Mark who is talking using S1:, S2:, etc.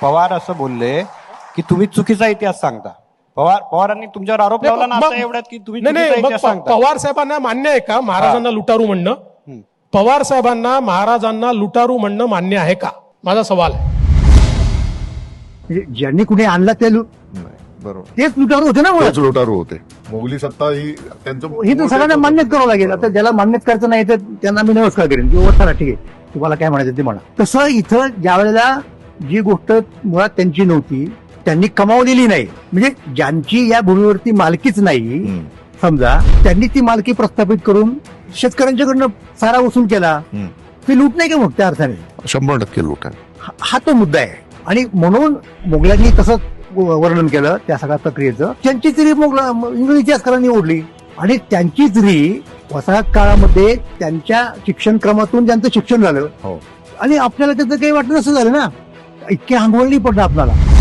S1: पवार असं बोलले की तुम्ही चुकीचा इतिहास सांगता. पवारांनी तुमच्यावर आरोप लावला ना आता एवढ्यात की तुम्ही चुकीचा इतिहास सांगता.
S2: पवार साहेबांना मान्य आहे का महाराजांना लुटारू म्हणणं? पवार साहेबांना महाराजांना लुटारू म्हणणं मान्य आहे का, माझा सवाल आहे.
S3: ज्यांनी कुणी आणला ते
S4: बरोबर,
S3: तेच लुटारू होते ना.
S4: तेच लुटारू होते. मोगली सत्ता ही त्यांचं
S3: ही तर सगळ्यांना मान्यच करावं लागेल. आता ज्याला मान्यच करायचं नाही तर त्यांना मी नमस्कार करेन किंवा चला ठीक आहे तुम्हाला काय म्हणायचं ते म्हणा. तसं इथं ज्या वेळेला जी गोष्ट मुळात त्यांची नव्हती त्यांनी कमावलेली नाही, म्हणजे ज्यांची या भूमीवरती मालकीच नाही समजा, त्यांनी ती मालकी प्रस्थापित करून शेतकऱ्यांच्याकडनं सारा वसूल केला. ती लूट नाही का मग त्या अर्थाने?
S4: 100% लूट आहे.
S3: हा तो मुद्दा आहे. आणि म्हणून मोगलांनी तसंच वर्णन केलं त्या सगळ्या प्रक्रियेचं. त्यांचीच री इंग्रजी इतिहासकारांनी ओढली आणि त्यांचीच री वसाहत काळामध्ये त्यांच्या शिक्षण क्रमातून ज्यांचं शिक्षण झालं आणि आपल्याला त्याचं काही वाटत असं झालं ना, इतके आंघोळ नाही पडलं आपल्याला.